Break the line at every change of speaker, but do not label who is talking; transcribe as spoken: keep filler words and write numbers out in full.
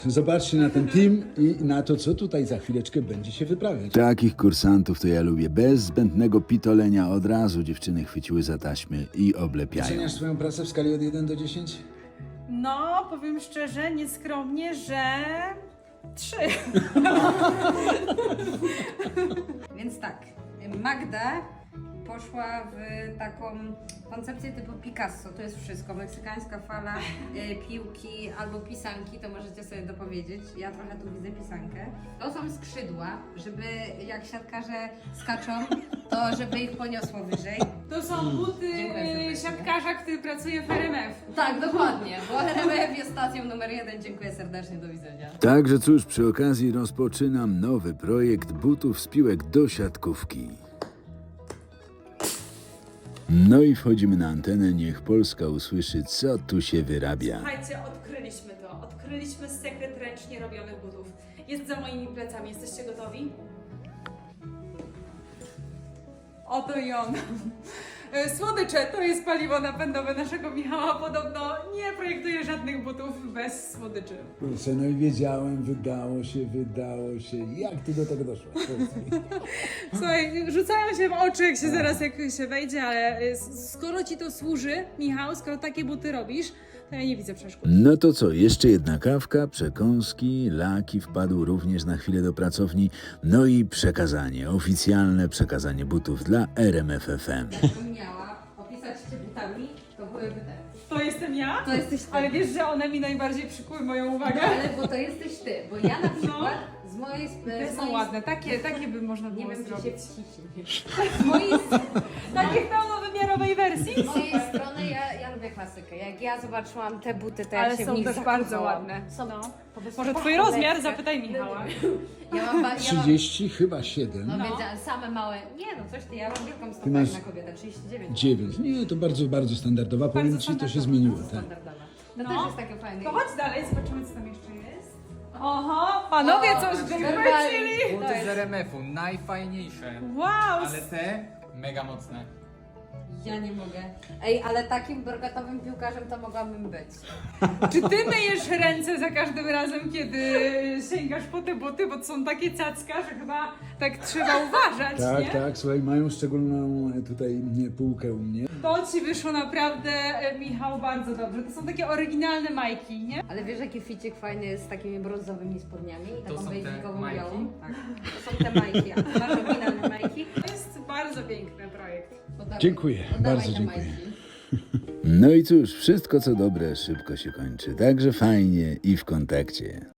Zobaczcie na ten team i na to, co tutaj za chwileczkę będzie się wyprawiać.
Takich kursantów to ja lubię. Bez zbędnego pitolenia od razu dziewczyny chwyciły za taśmy i oblepiają.
Oceniasz swoją pracę w skali od jeden do dziesięciu?
No, powiem szczerze, nieskromnie, że trzy.
Więc tak, Magda poszła w taką koncepcję typu Picasso, to jest wszystko, meksykańska fala e, piłki albo pisanki, to możecie sobie dopowiedzieć, ja trochę tu widzę pisankę. To są skrzydła, żeby jak siatkarze skaczą, to żeby ich poniosło wyżej.
To są buty
Dziękuję serdecznie.
siatkarza, który pracuje w R M F.
Tak, dokładnie, bo R M F jest stacją numer jeden, dziękuję serdecznie, do widzenia.
Także cóż, przy okazji rozpoczynam nowy projekt butów z piłek do siatkówki. No i wchodzimy na antenę, niech Polska usłyszy, co tu się wyrabia.
Słuchajcie, odkryliśmy to. Odkryliśmy sekret ręcznie robionych butów. Jest za moimi plecami. Jesteście gotowi? Oto i on. Słodycze to jest paliwo napędowe naszego Michała. Podobno nie projektuje żadnych butów bez słodyczy.
Kurczę, no i wiedziałem, wydało się, wydało się. Jak ty do tego doszłaś? Powiedz mi.
Słuchaj, rzucają się w oczy, jak się zaraz jak się wejdzie, ale y, skoro ci to służy, Michał, skoro takie buty robisz, to ja nie widzę przeszkód.
No to co, jeszcze jedna kawka, przekąski, Laki wpadł również na chwilę do pracowni, no i przekazanie, oficjalne przekazanie butów dla R M F F M.
Jakbym miała opisać cię butami, to byłyby te.
To jestem ja?
To jesteś ty.
Ale wiesz, że one mi najbardziej przykuły moją uwagę.
No, ale bo to jesteś ty, bo ja na przykład z mojej... Z
Te są
mojej
ładne, takie, takie by można
Nie
było
wiem, czy się
zrobić.
wciśnie. Z mojej,
Takiej pełnowymiarowej wersji?
z mojej strony ja, ja lubię klasykę. Jak ja zobaczyłam te buty, to ja
Ale
się
są
w nich
też
zakochałam.
bardzo ładne.
Są
No.
po prostu
Może
tak
twój rozmiar?
lekkie.
Zapytaj Michała.
Ja mam, ba- ja mam,
trzydzieści, chyba siedem.
no,
No.
wiedziałam, same małe. Nie no, coś ty, ja mam wielką stopę
masz-
na kobietę, trzydzieści dziewięć.
dziewięć. Nie, to bardzo, bardzo standardowa. Powiem ci, to się
standardowa.
zmieniło. Tak.
Standardowa. To
No.
też jest takie fajne.
To chodź dalej, zobaczymy co tam jeszcze jest. Oho, panowie coś
normalnie.
wychwycili!
To
Buty
jest-
z R M F-u, najfajniejsze.
Wow!
Ale te mega mocne.
Ja nie mogę. Ej, ale takim brokatowym piłkarzem to mogłabym być.
Czy ty myjesz ręce za każdym razem, kiedy sięgasz po te buty, bo to są takie cacka, że chyba tak trzeba uważać,
Tak,
nie?
tak, słuchaj, mają szczególną e, tutaj nie, półkę u mnie.
To ci wyszło naprawdę, e, Michał, bardzo dobrze. To są takie oryginalne majki, nie?
Ale wiesz, jaki ficik fajny jest z takimi brązowymi spodniami i
To
taką
są te
bejzikową
majki?
białą? Tak. To są te majki, a ty masz oryginalne majki?
To jest bardzo piękny projekt.
To dawaj-
Dziękuję,
to dawaj
bardzo
te
dziękuję.
majki.
No i cóż, wszystko co dobre szybko się kończy, także fajnie i w kontakcie.